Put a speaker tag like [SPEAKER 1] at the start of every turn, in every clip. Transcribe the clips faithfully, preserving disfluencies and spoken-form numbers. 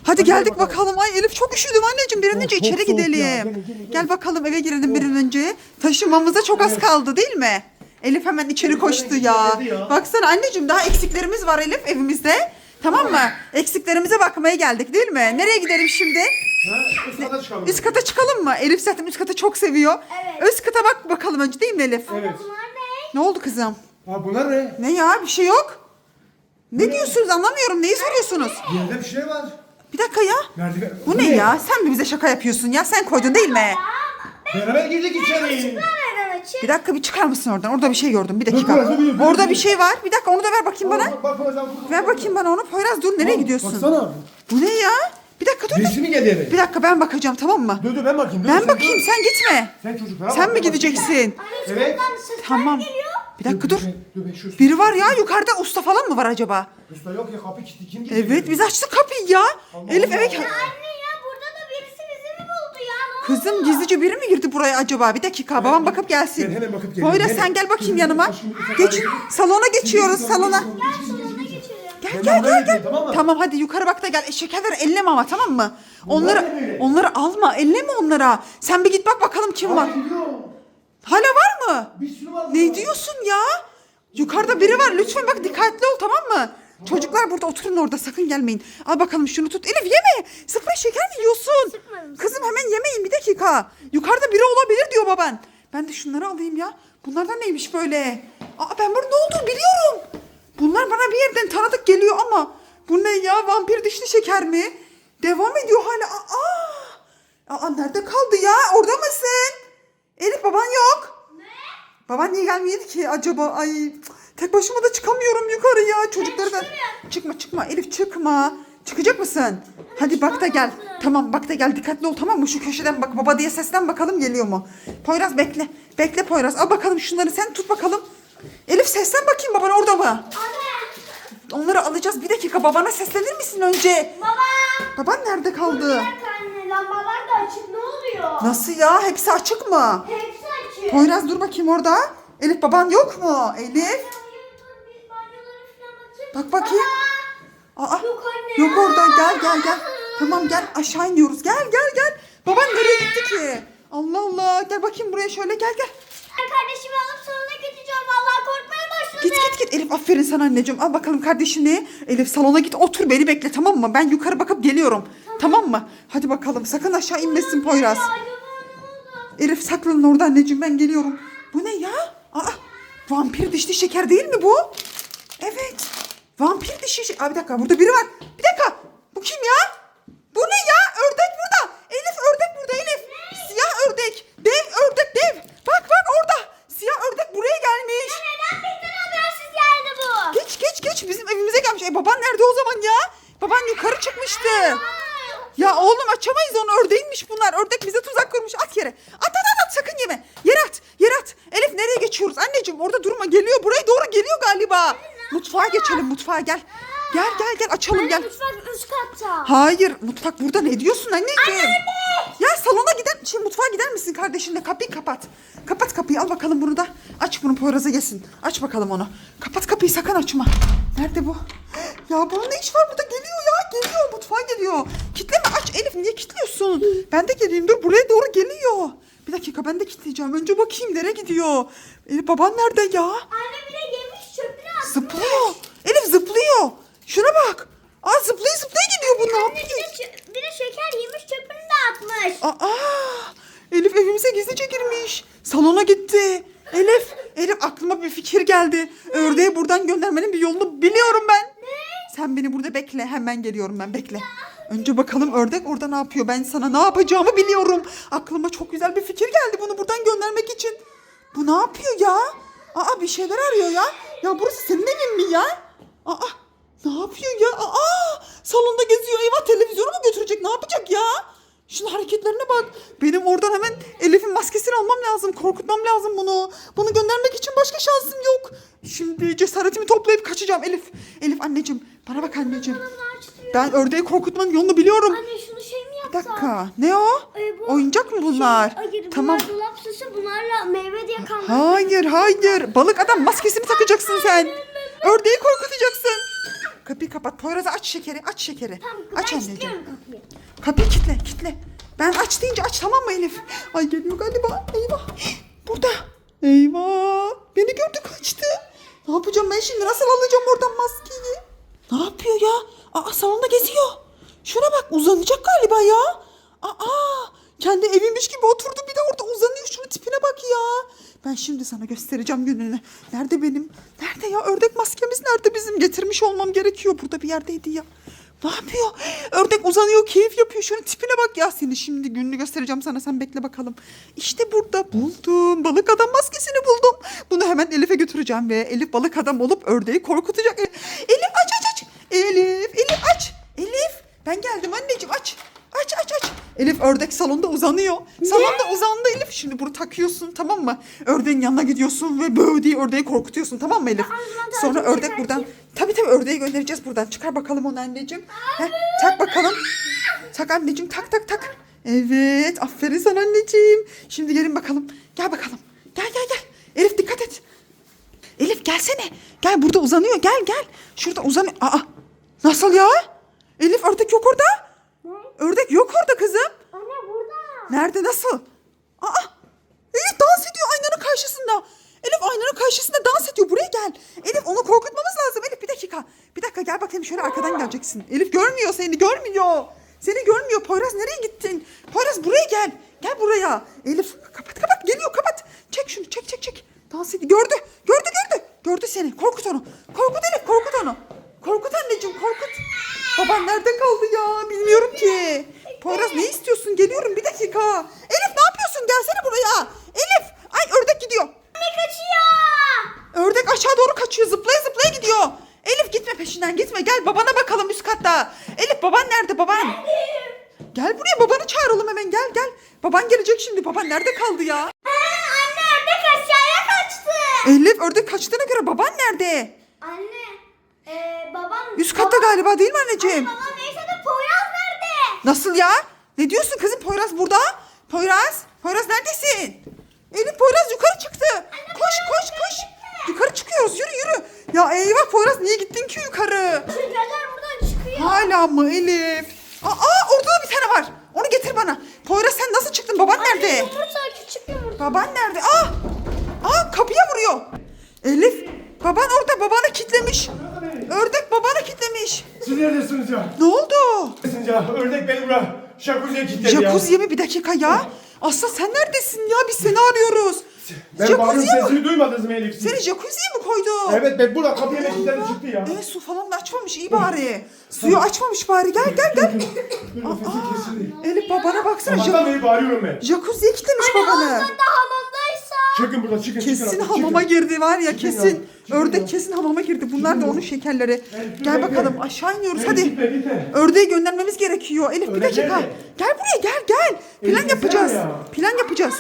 [SPEAKER 1] Hadi geldik bakalım. Ay Elif çok üşüdüm anneciğim. Bir an önce
[SPEAKER 2] Çok
[SPEAKER 1] içeri
[SPEAKER 2] soğuk ya.
[SPEAKER 1] gidelim.
[SPEAKER 2] Gelin, gelin, gelin.
[SPEAKER 1] Gel bakalım eve girelim bir an önce. Taşınmamıza çok az kaldı değil mi? Elif hemen içeri
[SPEAKER 2] Elif
[SPEAKER 1] koştu
[SPEAKER 2] hemen
[SPEAKER 1] ya.
[SPEAKER 2] gitti ya.
[SPEAKER 1] Baksana anneciğim daha eksiklerimiz var Elif evimizde. Tamam mı? Eksiklerimize bakmaya geldik değil mi? Nereye gidelim şimdi?
[SPEAKER 2] Ha, üst kata çıkalım.
[SPEAKER 1] Üst kata çıkalım mı? Elif zaten üst katı çok seviyor.
[SPEAKER 3] Evet.
[SPEAKER 1] Üst kata bak bakalım önce değil mi Elif?
[SPEAKER 2] Evet.
[SPEAKER 3] Bunlar ne?
[SPEAKER 1] Ne oldu kızım?
[SPEAKER 2] Ha bunlar ne?
[SPEAKER 1] Ne ya bir şey yok. Ne diyorsunuz anlamıyorum. Neyi soruyorsunuz?
[SPEAKER 2] Yerde bir şey var.
[SPEAKER 1] Bir dakika ya.
[SPEAKER 2] Merdiven.
[SPEAKER 1] Bu ne ya? Sen mi bize şaka yapıyorsun ya? Sen koydun değil mi?
[SPEAKER 2] Beraber girdik içeri.
[SPEAKER 3] Nereden açayım?
[SPEAKER 1] Bir dakika bir çıkar mısın oradan? Orada bir şey gördüm. Bir dakika.
[SPEAKER 2] Bak, bak, bak, bak,
[SPEAKER 1] Orada
[SPEAKER 2] bak.
[SPEAKER 1] bir şey var. Bir dakika onu da ver bakayım bana.
[SPEAKER 2] Bak, bak, bak, bak, bak.
[SPEAKER 1] Ver bakayım bana onu. Poyraz dur nereye gidiyorsun?
[SPEAKER 2] Baksana.
[SPEAKER 1] Bu ne ya? Bir dakika dur. dur.
[SPEAKER 2] Birisi mi geldi eve?
[SPEAKER 1] Bir dakika ben bakacağım tamam mı?
[SPEAKER 2] Dur dur ben bakayım. dur,
[SPEAKER 1] Ben
[SPEAKER 2] sen
[SPEAKER 1] bakayım
[SPEAKER 2] dur.
[SPEAKER 1] sen gitme.
[SPEAKER 2] Sen çocuklara
[SPEAKER 1] Sen
[SPEAKER 2] bak,
[SPEAKER 1] mi
[SPEAKER 2] bak.
[SPEAKER 1] gideceksin?
[SPEAKER 3] Anne
[SPEAKER 2] Evet.
[SPEAKER 3] şuradan sesler
[SPEAKER 1] Tamam.
[SPEAKER 3] geliyor.
[SPEAKER 1] Bir dakika dur.
[SPEAKER 2] ben- Dur ben şu
[SPEAKER 1] Biri var ya yukarıda usta falan mı var acaba?
[SPEAKER 2] Usta yok ya kapı kilitli kim gidiyor?
[SPEAKER 1] Evet biz açtık kapıyı ya.
[SPEAKER 2] Allah
[SPEAKER 1] Elif
[SPEAKER 2] Allah.
[SPEAKER 1] eve...
[SPEAKER 3] Anne ya burada da birisi bizi mi buldu ya? Ne oldu?
[SPEAKER 1] Kızım gizlice biri mi girdi buraya acaba? Bir dakika babam bakıp gelsin.
[SPEAKER 2] Ben hemen bakıp geliyorum.
[SPEAKER 1] Poyraz
[SPEAKER 2] Hemen.
[SPEAKER 1] sen gel bakayım
[SPEAKER 2] Dur,
[SPEAKER 1] yanıma.
[SPEAKER 2] aşkım, bir
[SPEAKER 1] Geç.
[SPEAKER 2] dakika.
[SPEAKER 1] Salona geçiyoruz salona.
[SPEAKER 3] Salona geçelim.
[SPEAKER 1] Gel
[SPEAKER 2] Ben
[SPEAKER 1] gel
[SPEAKER 2] oraya
[SPEAKER 1] gel
[SPEAKER 2] gideyim,
[SPEAKER 1] gel.
[SPEAKER 2] tamam mı?
[SPEAKER 1] Tamam hadi yukarı bak da gel. E, şekerleri elleme ama tamam mı?
[SPEAKER 2] Bunlar
[SPEAKER 1] Onları
[SPEAKER 2] ne böyle?
[SPEAKER 1] onları alma. Elleme onlara. Sen bir git bak bakalım kim var.
[SPEAKER 2] Abi gidiyor.
[SPEAKER 1] Hala var mı?
[SPEAKER 2] Bir sürü var.
[SPEAKER 1] Ne diyorsun ya? Yukarıda biri var. Lütfen bak dikkatli ol tamam mı? Çocuklar burada oturun orada sakın gelmeyin. Al bakalım şunu tut. Elif yeme. Sprey şeker mi yiyorsun?
[SPEAKER 3] Sıkmadım.
[SPEAKER 1] Kızım hemen yemeyin bir dakika. Yukarıda biri olabilir diyor baban. Ben de şunları alayım ya. Bunlardan neymiş böyle? Aa ben bunun ne olduğunu biliyorum. Bunlar bana bir yerden tanıdık geliyor ama. Bu ne ya? Vampir dişli şeker mi? Devam ediyor hala. Aa, aa nerede kaldı ya? Orada mısın? Elif baban yok. Baban niye gelmedi ki acaba? Ay cık, tek başıma da çıkamıyorum yukarıya. Çocukları da... Çıkma çıkma Elif çıkma. Çıkacak mısın? Hadi bak da gel. Tamam bak da gel dikkatli ol tamam mı? Şu köşeden bak baba diye seslen bakalım geliyor mu? Poyraz bekle. Bekle Poyraz. Al bakalım şunları sen tut bakalım. Elif seslen bakayım baban orada mı?
[SPEAKER 3] Anne.
[SPEAKER 1] Onları alacağız. Bir dakika babana seslenir misin önce?
[SPEAKER 3] Baba.
[SPEAKER 1] Baban nerede
[SPEAKER 3] Bir
[SPEAKER 1] kaldı?
[SPEAKER 3] dakika anne lambalar da açık ne oluyor?
[SPEAKER 1] Nasıl ya? Hepsi açık mı?
[SPEAKER 3] Hepsi açık.
[SPEAKER 1] Poyraz dur bakayım orada. Elif baban yok mu? Elif.
[SPEAKER 3] Hayır, dur, biz banyolara falan bakayım.
[SPEAKER 1] Bak bakayım. Aa,
[SPEAKER 3] Yok anne.
[SPEAKER 1] yok orada. Gel gel gel. Tamam gel aşağı iniyoruz. Gel gel gel. Baban nereye gitti ki? Allah Allah. Gel bakayım buraya şöyle gel gel.
[SPEAKER 3] Ben kardeşimi alıp salona gideceğim. Vallahi korkmaya başladım.
[SPEAKER 1] Git git git Elif aferin sana anneciğim. Al bakalım kardeşini. Elif salona git otur beni bekle tamam mı? Ben yukarı bakıp geliyorum. Tamam mı? Hadi bakalım sakın aşağı inmesin Poyraz.
[SPEAKER 3] Ya, acaba ne oldu?
[SPEAKER 1] Elif saklanın orada anneciğim ben geliyorum. Bu ne ya? Aa, vampir dişli şeker değil mi bu? Evet. Vampir dişli şeker. Aa, bir dakika burada biri var. Bir dakika. Bu kim ya? Bu ne ya? Ördek burada. Elif ördek burada Elif. Siyah ördek. Dev ördek dev. Bak bak orada. Siyah ördek buraya gelmiş.
[SPEAKER 3] Neden bizden habersiz geldi bu?
[SPEAKER 1] Geç geç geç bizim evimize gelmiş. E baban nerede o zaman ya? Baban yukarı çıkmıştı. Ya oğlum açamayız onu ördeymiş bunlar. Ördek bize tuzak kurmuş. At yere. At at at, at. Sakın yeme. Yere at. Yere at. Elif nereye geçiyoruz? Anneciğim orada durma. Geliyor. Buraya doğru geliyor galiba. Mutfağa geçelim. Mutfağa gel. Gel gel gel açalım gel.
[SPEAKER 3] Mutfak üst katta.
[SPEAKER 1] Hayır mutfak burada ne diyorsun anneciğim? Ya salona gider şey mutfağa gider misin kardeşinle kapıyı kapat. Kapat kapıyı al bakalım bunu da. Aç bunu Poyraz'a yesin. Aç bakalım onu. Kapat kapıyı sakın açma. Nerede bu? Ya bunun ne iş var burada geliyor ya geliyor mutfağa geliyor. Kitleme aç Elif niye kilitliyorsun? Ben de geleyim dur buraya doğru geliyor. Bir dakika ben de kilitleyeceğim. Önce bakayım nereye gidiyor. Elif baban nerede ya?
[SPEAKER 3] Anne bile yemiş çöpünü atmış.
[SPEAKER 1] Zıplıyor. Elif zıplıyor. Şuna bak. Aa zıplaya zıplaya gidiyor bu ne
[SPEAKER 3] Anne bir
[SPEAKER 1] yapıyor?
[SPEAKER 3] de, çö- bir de şeker yemiş çöpünü de atmış.
[SPEAKER 1] Aa, Elif evimize gizlice girmiş. Salona gitti. Elif, Elif aklıma bir fikir geldi. Ördeği buradan göndermenin bir yolunu biliyorum ben.
[SPEAKER 3] Ne?
[SPEAKER 1] Sen beni burada bekle. Hemen geliyorum ben bekle. Önce bakalım ördek orada ne yapıyor? Ben sana ne yapacağımı biliyorum. Aklıma çok güzel bir fikir geldi bunu buradan göndermek için. Bu ne yapıyor ya? Aa bir şeyler arıyor ya. Ya burası senin evin mi ya? Aa ne yapıyor ya? Aa salonda geziyor. Eyvah televizyonu mu götürecek? Ne yapacak ya? Şunun hareketlerine bak. Benim oradan hemen Elif'in maskesini almam lazım. Korkutmam lazım bunu. Bunu göndermek için başka şansım yok. Şimdi cesaretimi toplayıp kaçacağım Elif. Elif anneciğim bana bak anneciğim.
[SPEAKER 3] Bana açtırıyor.
[SPEAKER 1] Ben ördeği korkutmanın yolunu biliyorum.
[SPEAKER 3] Anne şunu şey mi
[SPEAKER 1] Bir
[SPEAKER 3] yapsak?
[SPEAKER 1] dakika. Ne o?
[SPEAKER 3] Ay, bu
[SPEAKER 1] Oyuncak mı bunlar?
[SPEAKER 3] Hayır bunlar
[SPEAKER 1] Tamam.
[SPEAKER 3] dolap süsü bunlarla meyve diye kalmış.
[SPEAKER 1] Hayır hayır. Balık adam maskesini takacaksın sen. Ördeği korkutacaksın. Kapıyı kapat. Poyraz'a aç şekeri. Aç şekeri.
[SPEAKER 3] Tamam
[SPEAKER 1] Aç
[SPEAKER 3] ben
[SPEAKER 1] anneciğim.
[SPEAKER 3] istiyorum kapıyı.
[SPEAKER 1] Kapıyı kitle kitle. Ben aç deyince aç tamam mı Elif? Ay geliyor galiba. Eyvah. Burada. Eyvah. Beni gördü kaçtı. Ne yapacağım ben şimdi? Nasıl alacağım oradan maskeyi? Ne yapıyor ya? Aa salonda geziyor. Şuna bak uzanacak galiba ya. Aa kendi eviymiş gibi oturdu bir de orada uzanıyor. Şunun tipine bak ya. Ben şimdi sana göstereceğim gününü. Nerede benim? Nerede ya? Ördek maskemiz nerede bizim? Getirmiş olmam gerekiyor. Burada bir yerdeydi ya. Ne yapıyor? Ördek uzanıyor, keyif yapıyor. Şunun tipine bak ya. Seni şimdi gününü göstereceğim sana. Sen bekle bakalım. İşte burada buldum. Balık adam maskesini buldum. Bunu hemen Elif'e götüreceğim ve Elif balık adam olup ördeği korkutacak. Elif aç aç aç. Elif, Elif aç. Elif ben geldim anneciğim aç. Aç aç aç. Elif ördek salonda uzanıyor. Salonda uzandı Elif. Şimdi bunu takıyorsun tamam mı? Ördeğin yanına gidiyorsun ve böğ diye ördeği korkutuyorsun tamam mı Elif? Sonra ördek buradan. Tabii tabii ördeği göndereceğiz buradan. Çıkar bakalım onu anneciğim. Heh, tak bakalım. Tak anneciğim tak tak tak. Evet aferin sana anneciğim. Şimdi gelin bakalım. Gel bakalım. Gel gel gel. Elif dikkat et. Elif gelsene. Gel burada uzanıyor. Gel gel. Şurada uzanıyor. Aa nasıl ya? Elif ördek yok orada. Ördek yok orada kızım.
[SPEAKER 3] Anne burada.
[SPEAKER 1] Nerede nasıl? Aa Elif dans ediyor aynanın karşısında. Elif aynanın karşısında dans ediyor. Buraya gel. Elif onu korkutmamız lazım. Elif bir dakika. Bir dakika gel bakayım şöyle arkadan geleceksin. Elif görmüyor seni görmüyor. Seni görmüyor. Poyraz nereye gittin? Poyraz buraya gel. Gel buraya. Elif kapat kapat geliyor kapat. Çek şunu çek çek çek. Dans ediyor. Gördü. Gördü gördü. Gördü seni. Korkut onu. Korkut Elif korkut onu. Korkut anneciğim korkut. Baban nerede kaldı ya? Bilmiyorum ki. Poyraz ne istiyorsun? Geliyorum bir dakika. Elif ne yapıyorsun? Gelsene buraya. Elif. Ay ördek gidiyor.
[SPEAKER 3] Anne kaçıyor.
[SPEAKER 1] Ördek aşağı doğru kaçıyor. Zıplaya zıplaya gidiyor. Elif gitme peşinden gitme. Gel babana bakalım üst katta. Elif baban nerede baban? Gel buraya babanı çağıralım hemen gel gel. Baban gelecek şimdi. Baban nerede kaldı ya?
[SPEAKER 3] Ha, anne ördek aşağıya kaçtı.
[SPEAKER 1] Elif ördek kaçtığına göre baban nerede?
[SPEAKER 3] Anne e, babam.
[SPEAKER 1] Üst katta galiba değil mi anneciğim?
[SPEAKER 3] Babam neyse de Poyraz nerede?
[SPEAKER 1] Nasıl ya? Ne diyorsun kızım? Poyraz burada. Poyraz. Poyraz neredesin? Elif Poyraz yukarı çıktı. Koş koş koş. Yukarı çıkıyoruz. Yürü yürü. Ya eyvah Poyraz niye gittin ki yukarı?
[SPEAKER 3] Çocuklar buradan çıkıyor.
[SPEAKER 1] Hala mı Elif? Aa orada da bir tane var. Onu getir bana. Poyraz sen nasıl çıktın? Baban
[SPEAKER 3] Anne
[SPEAKER 1] nerede?
[SPEAKER 3] yumurta küçük yumurta.
[SPEAKER 1] Baban nerede? Aa! Aa kapıya vuruyor. Elif baban orada babanı kitlemiş. Ördek babanı kitlemiş.
[SPEAKER 2] Siz neredesiniz ya?
[SPEAKER 1] Ne oldu?
[SPEAKER 2] Neredesiniz ya? Ördek beni buraya jacuzziye kilitledi ya.
[SPEAKER 1] Jacuzziye mi bir dakika ya? Aslı sen neredesin ya? Biz seni arıyoruz.
[SPEAKER 2] Ben bağırıyorum
[SPEAKER 1] Jacuzziye mi?
[SPEAKER 2] sesini duymadınız mı Elif?
[SPEAKER 1] Seni jacuzziye mi koydu?
[SPEAKER 2] Evet ben burada kapıya ne kilitledi çıktı ya.
[SPEAKER 1] E su falan da açmamış iyi bari. Suyu açmamış bari. Gel gel gel.
[SPEAKER 2] Dur nefesi kesildi.
[SPEAKER 1] Elif babana baksana.
[SPEAKER 2] Sabahtan
[SPEAKER 1] Jac-
[SPEAKER 2] beri bağırıyorum ben.
[SPEAKER 1] Jacuzziye kilitlemiş babanı.
[SPEAKER 3] Ondan da hamamdaysa.
[SPEAKER 2] Çıkın buradan çıkın çıkın.
[SPEAKER 1] Kesin
[SPEAKER 2] artık,
[SPEAKER 1] hamama
[SPEAKER 2] çıkın.
[SPEAKER 1] girdi var ya
[SPEAKER 2] Çıkın
[SPEAKER 1] kesin.
[SPEAKER 2] ya, çıkın
[SPEAKER 1] Ördek
[SPEAKER 2] ya.
[SPEAKER 1] kesin hamama girdi. Bunlar da onun şekerleri.
[SPEAKER 2] Elif, dur,
[SPEAKER 1] Gel
[SPEAKER 2] bekle.
[SPEAKER 1] bakalım aşağı iniyoruz
[SPEAKER 2] Elif,
[SPEAKER 1] hadi.
[SPEAKER 2] gitme, gitme.
[SPEAKER 1] Ördeği göndermemiz gerekiyor. Elif bir
[SPEAKER 2] Ördek
[SPEAKER 1] dakika.
[SPEAKER 2] nerede?
[SPEAKER 1] Gel buraya gel gel. Plan
[SPEAKER 2] Elif,
[SPEAKER 1] yapacağız.
[SPEAKER 2] gitsene ya.
[SPEAKER 1] Plan yapacağız.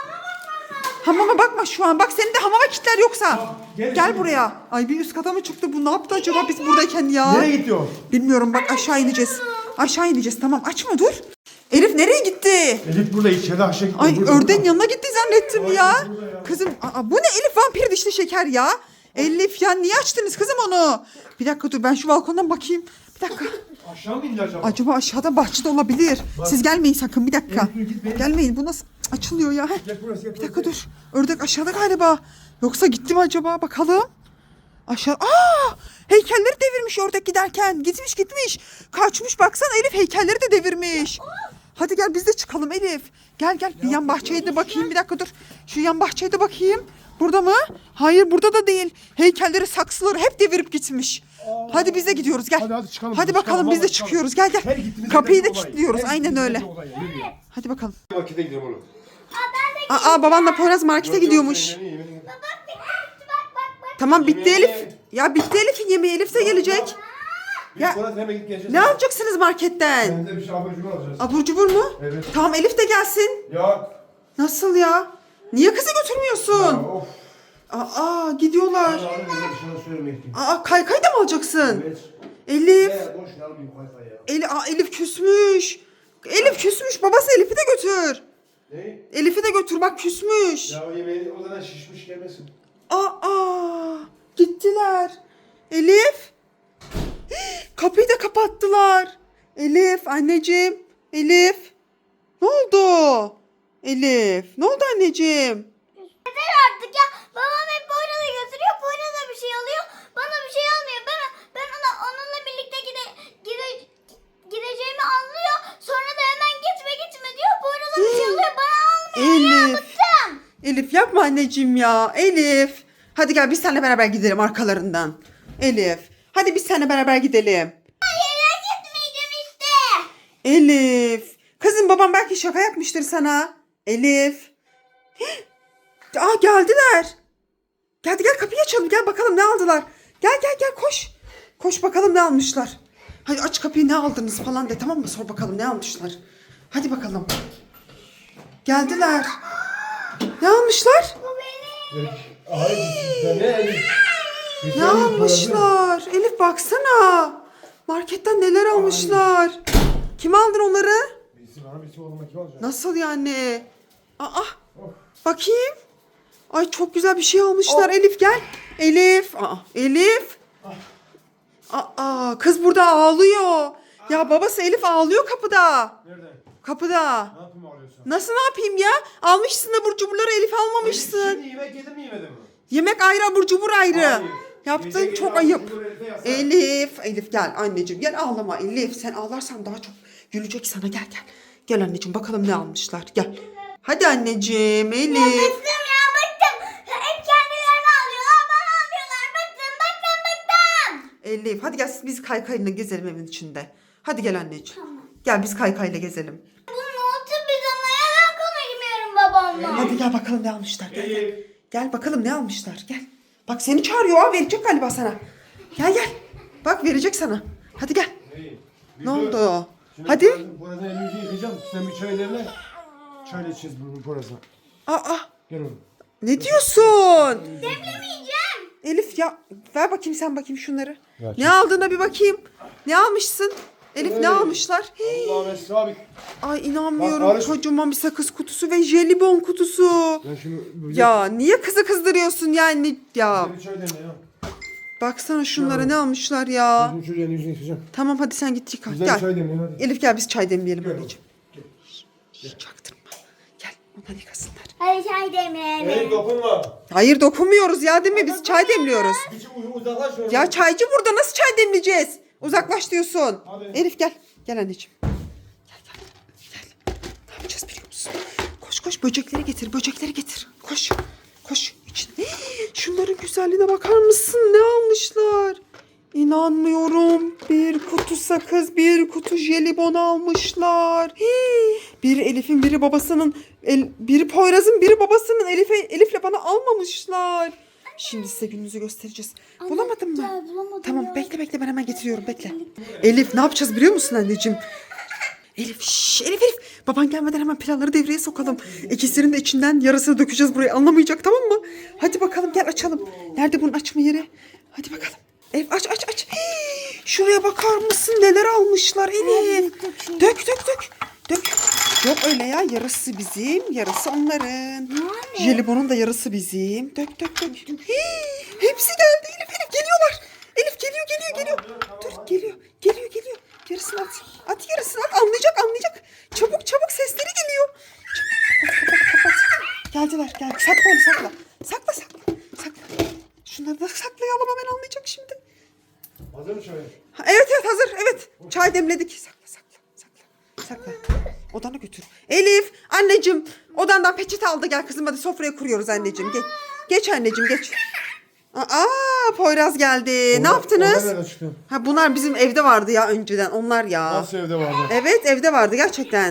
[SPEAKER 1] Hamama bakma şu an. Bak seni de hamama kitler yoksa.
[SPEAKER 2] Tamam, gel
[SPEAKER 1] Gel
[SPEAKER 2] şimdi.
[SPEAKER 1] buraya. Ay bir üst kata mı çıktı bu? Ne yaptı acaba biz buradayken ya?
[SPEAKER 2] Nereye gidiyor?
[SPEAKER 1] Bilmiyorum bak aşağı ineceğiz. Aşağı ineceğiz tamam açma dur. Elif nereye gitti?
[SPEAKER 2] Elif burada içeride aşağı gidiyor.
[SPEAKER 1] Ay
[SPEAKER 2] burada,
[SPEAKER 1] ördeğin
[SPEAKER 2] burada.
[SPEAKER 1] yanına gitti zannettim
[SPEAKER 2] Ay,
[SPEAKER 1] ya.
[SPEAKER 2] burada ya.
[SPEAKER 1] Kızım aa, bu ne Elif vampir dişli şeker ya. Elif ya niye açtınız kızım onu? Bir dakika dur ben şu balkondan bakayım. Bir dakika.
[SPEAKER 2] Aşağı mı indi acaba?
[SPEAKER 1] Acaba aşağıda bahçede olabilir. Siz gelmeyin sakın bir dakika.
[SPEAKER 2] Elif, dur, git, benim-
[SPEAKER 1] Gelmeyin bu nasıl Cık, açılıyor ya. Heh.
[SPEAKER 2] Gel burası gel
[SPEAKER 1] Bir
[SPEAKER 2] burası.
[SPEAKER 1] dakika dur. Ördek aşağıda galiba. Yoksa gitti mi acaba bakalım. Aşağı. Aa! Heykelleri devirmiş ördek giderken. Gitmiş gitmiş. Kaçmış baksana Elif heykelleri de devirmiş. Hadi gel biz de çıkalım Elif. Gel gel bir yan bahçeye de bakayım bir dakika dur. Şu yan bahçeye de bakayım. Burada mı? Hayır burada da değil. Heykelleri saksıları hep devirip gitmiş. Hadi biz de gidiyoruz gel.
[SPEAKER 2] Hadi, hadi çıkalım,
[SPEAKER 1] Hadi
[SPEAKER 2] çıkalım,
[SPEAKER 1] bakalım biz de
[SPEAKER 2] vallahi çıkalım.
[SPEAKER 1] çıkıyoruz. Gel
[SPEAKER 2] Her
[SPEAKER 1] gel.
[SPEAKER 2] gittiğimizde
[SPEAKER 1] Kapıyı da
[SPEAKER 2] bir olay.
[SPEAKER 1] kilitliyoruz.
[SPEAKER 2] Her
[SPEAKER 1] Aynen
[SPEAKER 2] gittiğimizde
[SPEAKER 1] öyle.
[SPEAKER 2] bir olay ya, yürü ya.
[SPEAKER 1] Hadi bakalım.
[SPEAKER 2] Markete gidelim oğlum.
[SPEAKER 3] Aa, ben de
[SPEAKER 1] Aa babanla Poyraz markete
[SPEAKER 2] Yok, yok,
[SPEAKER 1] gidiyormuş.
[SPEAKER 2] sen yemeğini, yemeğini.
[SPEAKER 3] bak bak bak bak.
[SPEAKER 1] Tamam bitti
[SPEAKER 2] Yemeğe-
[SPEAKER 1] Elif. Ya bitti Elif'in yemeği. Elif de gelecek.
[SPEAKER 2] Biz
[SPEAKER 1] Ya-
[SPEAKER 2] sonra hemen gidip geleceğiz.
[SPEAKER 1] Ne alacaksınız marketten?
[SPEAKER 2] Ben de bir şey abur cubur alacağız.
[SPEAKER 1] Abur cubur mu?
[SPEAKER 2] Evet.
[SPEAKER 1] Tamam Elif de gelsin.
[SPEAKER 2] Ya.
[SPEAKER 1] Nasıl ya? Niye kızı
[SPEAKER 2] Ya,
[SPEAKER 1] götürmüyorsun?
[SPEAKER 2] of.
[SPEAKER 1] Aa gidiyorlar.
[SPEAKER 2] Ben abi öyle bir şey söylemeyeyim.
[SPEAKER 1] Aa kaykay da mı alacaksın?
[SPEAKER 2] Evet.
[SPEAKER 1] Elif.
[SPEAKER 2] Ne boş ver almayayım kayfa ya.
[SPEAKER 1] Eli, aa, Elif küsmüş. Elif küsmüş. Babası Elif'i de götür.
[SPEAKER 2] Ne?
[SPEAKER 1] Elif'i de götür bak küsmüş.
[SPEAKER 2] Ya o yemeğini o zaman şişmiş gelmesin.
[SPEAKER 1] Aa gittiler. Elif. Kapıyı da kapattılar. Elif anneciğim. Elif. Ne oldu? Elif. Ne oldu anneciğim?
[SPEAKER 3] Yeter artık ya. Babam hep Poyraz'ı götürüyor. Poyraz da bir şey alıyor. Bana bir şey almıyor. Ben ben ona onunla birlikte gide, gide, gideceğimi anlıyor. Sonra da hemen gitme gitme diyor. Poyraz'a bir şey alıyor. Bana almıyor. Ya
[SPEAKER 1] Elif.
[SPEAKER 3] bıktım.
[SPEAKER 1] Elif yapma anneciğim ya. Elif. Hadi gel biz seninle beraber gidelim arkalarından. Elif. Hadi biz seninle beraber gidelim.
[SPEAKER 3] Hayır gitmeyeceğim işte.
[SPEAKER 1] Elif. Kızım babam belki şaka yapmıştır sana. Elif. Aa geldiler. Geldi gel kapıyı açalım. Gel bakalım ne aldılar. Gel gel gel koş. Koş bakalım ne almışlar. Hadi aç kapıyı ne aldınız falan de tamam mı? Sor bakalım ne almışlar. Hadi bakalım. Geldiler. Ne almışlar?
[SPEAKER 3] Bu benim.
[SPEAKER 2] Hayır. Ne Elif?
[SPEAKER 1] Ne almışlar? Elif baksana. Marketten neler almışlar. Kim aldı onları?
[SPEAKER 2] Birisi bana birisi oğluma kim alacak?
[SPEAKER 1] Nasıl yani? Aa, bakayım. Ay çok güzel bir şey almışlar. Elif gel. Elif. Aa, Elif. Aa, kız burada ağlıyor. Ya babası Elif ağlıyor kapıda.
[SPEAKER 2] Nerede?
[SPEAKER 1] Kapıda.
[SPEAKER 2] Ne yapayım ağlıyorsun?
[SPEAKER 1] Nasıl ne yapayım ya? Almışsın abur cuburları Elif almamışsın.
[SPEAKER 2] Şimdi yemek yedim mi yemedim mi?
[SPEAKER 1] Yemek ayrı abur cubur ayrı.
[SPEAKER 2] Hayır.
[SPEAKER 1] Yaptığın
[SPEAKER 2] Gece
[SPEAKER 1] çok
[SPEAKER 2] gece
[SPEAKER 1] ayıp.
[SPEAKER 2] abur cubur Elif'e yasak.
[SPEAKER 1] Elif. Elif gel anneciğim gel ağlama Elif. Sen ağlarsan daha çok gülecek sana gel gel. Gel anneciğim bakalım ne almışlar gel. Hadi anneciğim Elif.
[SPEAKER 3] Bıktım ya bıktım. Hep kendilerini alıyorlar. Bana almıyorlar. Bıktım bıktım bıktım.
[SPEAKER 1] Elif hadi gel biz kaykayla gezelim evin içinde. Hadi gel anneciğim. Gel biz kaykayla gezelim.
[SPEAKER 3] Bu notu biz onlara ben konuşmuyorum babamla.
[SPEAKER 1] Hadi gel bakalım ne almışlar. Gel, gel.
[SPEAKER 2] Elif.
[SPEAKER 1] Gel bakalım ne almışlar. Gel. Bak seni çağırıyor. Aa, verecek galiba sana. Gel gel. Bak verecek sana. Hadi gel.
[SPEAKER 2] Neyi?
[SPEAKER 1] Ne oldu?
[SPEAKER 2] Şimdi
[SPEAKER 1] Hadi.
[SPEAKER 2] Poyraz'ın- Poyraz'ın elimizi yıkayacağım. Sen bir çay demle. Çayla içeceğiz bunu Poyraz'la.
[SPEAKER 1] Aa,
[SPEAKER 2] Gel oğlum.
[SPEAKER 1] ne diyorsun?
[SPEAKER 3] Demlemeyeceğim.
[SPEAKER 1] Elif ya ver bakayım sen bakayım şunları.
[SPEAKER 2] Ver.
[SPEAKER 1] Ne aldığına bir bakayım. Ne almışsın? Elif ne
[SPEAKER 2] Hey.
[SPEAKER 1] almışlar? Hii.
[SPEAKER 2] Allah'ım Esra abi.
[SPEAKER 1] Ay inanmıyorum.
[SPEAKER 2] Bak, Barış-
[SPEAKER 1] Kocaman bir sakız kutusu ve jelibon kutusu.
[SPEAKER 2] Ben şunu böyle...
[SPEAKER 1] Ya niye kızı kızdırıyorsun yani ya?
[SPEAKER 2] Bize bir çay demle ya.
[SPEAKER 1] Baksana şunlara
[SPEAKER 2] Ya.
[SPEAKER 1] ne almışlar ya.
[SPEAKER 2] Bizim çocuğun yüzünü yıkayacağım.
[SPEAKER 1] Tamam hadi sen git yıka.
[SPEAKER 2] Bize bir
[SPEAKER 1] Gel.
[SPEAKER 2] çay demle hadi.
[SPEAKER 1] Elif gel biz çay demleyelim
[SPEAKER 2] Gel.
[SPEAKER 1] anneciğim. Şşş, çaktırma. Gel onlar yıkasınlar.
[SPEAKER 3] Hadi çay demleyelim.
[SPEAKER 2] Elif dokunma.
[SPEAKER 1] Hayır dokunmuyoruz ya değil mi? Biz çay demliyoruz.
[SPEAKER 2] Hiç u- uzaklaş şöyle.
[SPEAKER 1] Ya çaycı burada nasıl çay demleyeceğiz? Uzaklaş diyorsun.
[SPEAKER 2] Hadi.
[SPEAKER 1] Elif gel. Gel anneciğim. Gel gel. Gel. Ne yapacağız biliyor musun? Koş koş böcekleri getir. Böcekleri getir. Koş. Koş. İçin. Hii, şunların güzelliğine bakar mısın? Ne almışlar? İnanmıyorum. Bir kutu sakız, bir kutu jelibon almışlar. Hii. Biri Elif'in, biri babasının, el, biri Poyraz'ın, biri babasının. Elif'e, Elif'le bana almamışlar. Şimdi size gününüzü göstereceğiz. Bulamadın mı?
[SPEAKER 3] gel, bulamadım
[SPEAKER 1] Tamam
[SPEAKER 3] ya.
[SPEAKER 1] bekle bekle ben hemen getiriyorum bekle. Elif ne yapacağız biliyor musun anneciğim? Elif şşş Elif Elif. Baban gelmeden hemen planları devreye sokalım. İkisinin de içinden yarısını dökeceğiz buraya anlamayacak tamam mı? Hadi bakalım gel açalım. Nerede bunun açma yeri? Hadi bakalım. Elif aç aç aç. Hii, şuraya bakar mısın neler almışlar Elif. Dök dök dök. Dök. Yok öyle ya yarısı bizim yarısı onların. Jelibonun da yarısı bizim. Dök dök dök. Hii, hepsi geldi Elif Elif geliyorlar. Elif geliyor geliyor geliyor. Dur geliyor geliyor geliyor. Yarısını at. At yarısını at anlayacak anlayacak. Çabuk çabuk sesleri geliyor. Çabuk, kapat kapat kapat. Geldiler gel. Sakla onu sakla. Sakla sakla. Sakla. Şunları da saklayalım hemen anlayacak şimdi.
[SPEAKER 2] Hazır mı çay?
[SPEAKER 1] Ha, evet evet hazır evet. Çay demledik. Sakla sakla sakla. Sakla. Odana götür. Elif anneciğim odandan peçete aldı gel kızım hadi sofraya kuruyoruz anneciğim. Geç, geç anneciğim geç. Aa Poyraz geldi. Ne
[SPEAKER 2] Onlar-
[SPEAKER 1] yaptınız?
[SPEAKER 2] onlar nereden çıktı?
[SPEAKER 1] Ha bunlar bizim evde vardı ya önceden onlar ya.
[SPEAKER 2] Nasıl evde vardı?
[SPEAKER 1] Evet evde vardı gerçekten.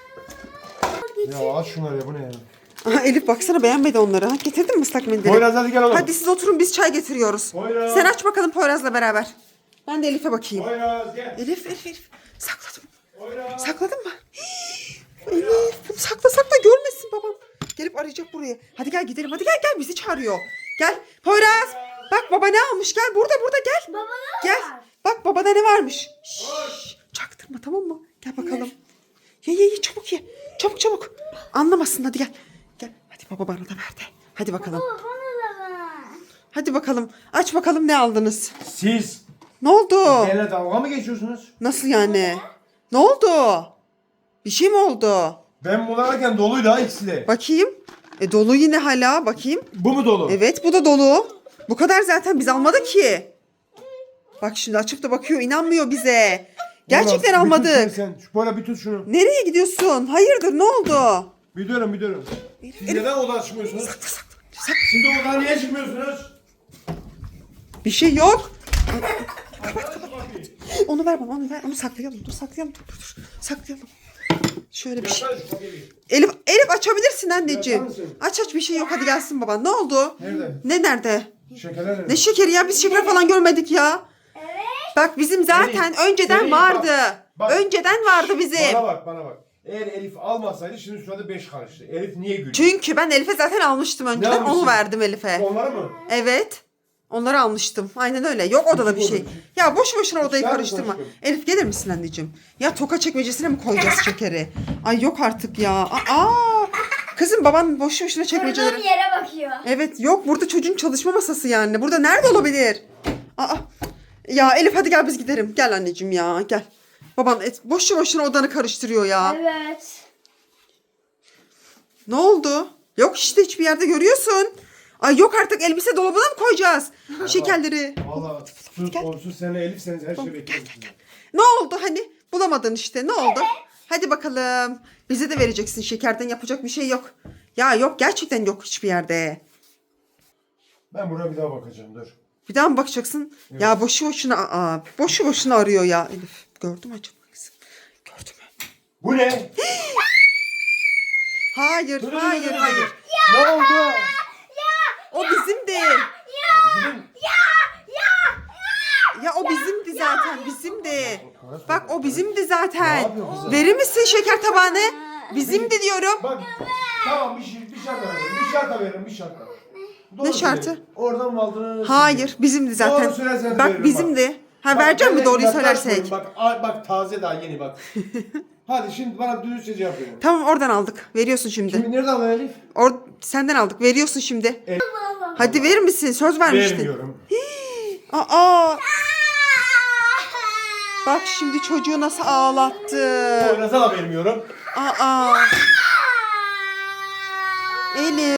[SPEAKER 2] Ya aç şunları ya bu ne ya?
[SPEAKER 1] Aha, Elif baksana beğenmedi onları. Ha, getirdin mi ıslak mendili?
[SPEAKER 2] Poyraz hadi gel oğlum.
[SPEAKER 1] Hadi siz oturun biz çay getiriyoruz.
[SPEAKER 2] Poyraz.
[SPEAKER 1] Sen aç bakalım Poyraz'la beraber. Ben de Elif'e bakayım.
[SPEAKER 2] Poyraz gel.
[SPEAKER 1] Elif Elif Elif. Sakladım.
[SPEAKER 2] Poyraz.
[SPEAKER 1] Sakladın mı? Hii, Elif bunu sakla sakla görmesin babam. Gelip arayacak buraya. Hadi gel gidelim hadi gel gel bizi çağırıyor. Gel Poyraz. Bak baba ne almış gel burada burada gel.
[SPEAKER 3] Baba ne
[SPEAKER 1] Gel.
[SPEAKER 3] var?
[SPEAKER 1] Bak babada ne varmış. Şşş, çaktırma tamam mı? Gel bakalım. Ye ye ye çabuk ye. Çabuk çabuk. Anlamasın hadi gel. Gel. Hadi baba bana da ver de. Hadi bakalım.
[SPEAKER 3] Baba bana da ver.
[SPEAKER 1] Hadi bakalım. Aç bakalım ne aldınız.
[SPEAKER 2] Siz
[SPEAKER 1] Ne oldu?
[SPEAKER 2] Benimle dalga mı geçiyorsunuz?
[SPEAKER 1] Nasıl yani? Ne oldu? Bir şey mi oldu?
[SPEAKER 2] Ben bunu alırken doluydu ha ikisi de.
[SPEAKER 1] Bakayım. E dolu yine hala. Bakayım.
[SPEAKER 2] Bu mu dolu?
[SPEAKER 1] Evet bu da dolu. Bu kadar zaten biz almadık ki. Bak şimdi açıp da bakıyor. İnanmıyor bize. Gerçekten
[SPEAKER 2] Ulan, bir tut
[SPEAKER 1] almadık.
[SPEAKER 2] şunu Sen. Şu böyle bir tut şunu.
[SPEAKER 1] Nereye gidiyorsun? Hayırdır ne oldu?
[SPEAKER 2] Bir durun bir durun. Siz
[SPEAKER 1] Elif.
[SPEAKER 2] neden odadan çıkmıyorsunuz?
[SPEAKER 1] Sakla sakla. Sakla.
[SPEAKER 2] Şimdi odadan niye çıkmıyorsunuz?
[SPEAKER 1] Bir şey yok.
[SPEAKER 2] Kapat kapıyı.
[SPEAKER 1] Onu ver bana onu ver. Onu saklayalım. Dur saklayalım. Dur dur dur. Saklayalım. Şöyle bir şey.
[SPEAKER 2] Yatsana şu kapıyı.
[SPEAKER 1] Elif, Elif açabilirsin anneciğim.
[SPEAKER 2] Yapar mısın?
[SPEAKER 1] Aç aç bir şey yok hadi gelsin baban. Ne oldu?
[SPEAKER 2] Nerede?
[SPEAKER 1] Ne nerede?
[SPEAKER 2] Şekerler nerede?
[SPEAKER 1] Ne şekeri ya biz şeker falan görmedik ya.
[SPEAKER 3] Evet.
[SPEAKER 1] Bak bizim zaten
[SPEAKER 2] Elif,
[SPEAKER 1] önceden
[SPEAKER 2] Elif,
[SPEAKER 1] vardı.
[SPEAKER 2] bak, bak.
[SPEAKER 1] Önceden vardı bizim.
[SPEAKER 2] Bana bak bana bak. Eğer Elif almasaydı şimdi şurada beş karıştı. Elif niye gülüyor?
[SPEAKER 1] Çünkü ben Elif'e zaten almıştım önceden.
[SPEAKER 2] almışsın?
[SPEAKER 1] Onu verdim Elif'e.
[SPEAKER 2] Onları mı?
[SPEAKER 1] Evet. Onları almıştım. Aynen öyle. Yok odada bir şey. Ya boş boşuna odayı
[SPEAKER 2] İçer mi
[SPEAKER 1] karıştırma.
[SPEAKER 2] aşkım?
[SPEAKER 1] Elif gelir misin anneciğim? Ya toka çekmecesine mi koyacağız şekeri? Ay yok artık ya. Aa! Kızım baban boş boşuna
[SPEAKER 3] Durduğum
[SPEAKER 1] çekmeceleri.
[SPEAKER 3] yere bakıyor.
[SPEAKER 1] Evet yok burada çocuğun çalışma masası yani. Burada nerede olabilir? Aa. Ya Elif hadi gel biz gidelim. Gel anneciğim ya gel. Baban et, boşu boşuna odanı karıştırıyor ya.
[SPEAKER 3] Evet.
[SPEAKER 1] Ne oldu? Yok işte hiçbir yerde görüyorsun. Ay yok artık elbise dolabına mı koyacağız? Şekerleri.
[SPEAKER 2] Valla sus
[SPEAKER 1] Gel.
[SPEAKER 2] onsuz senle Elif'seniz her şey bekliyorsunuz.
[SPEAKER 1] Ne oldu hani? Bulamadın işte ne oldu? Hadi bakalım. Bize de vereceksin şekerden yapacak bir şey yok. Ya yok gerçekten yok hiçbir yerde.
[SPEAKER 2] Ben buraya bir daha bakacağım dur.
[SPEAKER 1] Bir daha mı bakacaksın? Ya boşu boşuna aa, boşu boşuna arıyor ya. Elif gördün mü acaba kızım? Gördün mü?
[SPEAKER 2] Bu ne?
[SPEAKER 1] Hayır
[SPEAKER 2] Dur, dur, dur,
[SPEAKER 1] hayır
[SPEAKER 2] dur, dur.
[SPEAKER 1] hayır.
[SPEAKER 2] Ne oldu?
[SPEAKER 1] O bizimdi.
[SPEAKER 2] Bizim...
[SPEAKER 1] Ya o bizimdi zaten bizimdi. Bak o bizimdi
[SPEAKER 2] Ne
[SPEAKER 1] zaten.
[SPEAKER 2] yapıyor kızım?
[SPEAKER 1] Verir misin şeker tabağını? Bizimdi diyorum.
[SPEAKER 2] Bak tamam bir şey bir şart veririm. Bir şart veririm bir şart.
[SPEAKER 1] Ne şartı?
[SPEAKER 2] Oradan mı aldın?
[SPEAKER 1] Hayır bizimdi zaten.
[SPEAKER 2] Doğru söylerseniz
[SPEAKER 1] Bak
[SPEAKER 2] veririm,
[SPEAKER 1] bizimdi. Ha
[SPEAKER 2] Bak,
[SPEAKER 1] vereceğim mi
[SPEAKER 2] ben
[SPEAKER 1] doğruyu
[SPEAKER 2] yaklaşmıyorum.
[SPEAKER 1] söylersek?
[SPEAKER 2] Bak, ay, bak taze daha yeni bak. Hadi şimdi bana dürüstçe cevap verin.
[SPEAKER 1] Tamam oradan aldık. Veriyorsun şimdi.
[SPEAKER 2] Şimdi nereden aldın Elif?
[SPEAKER 1] Or senden aldık. Veriyorsun şimdi. Hadi verir misin? Söz vermiştin.
[SPEAKER 2] Vermiyorum.
[SPEAKER 1] Aa. Bak şimdi çocuğu nasıl ağlattı.
[SPEAKER 2] Oynasa da vermiyorum.
[SPEAKER 1] Aa. Elif.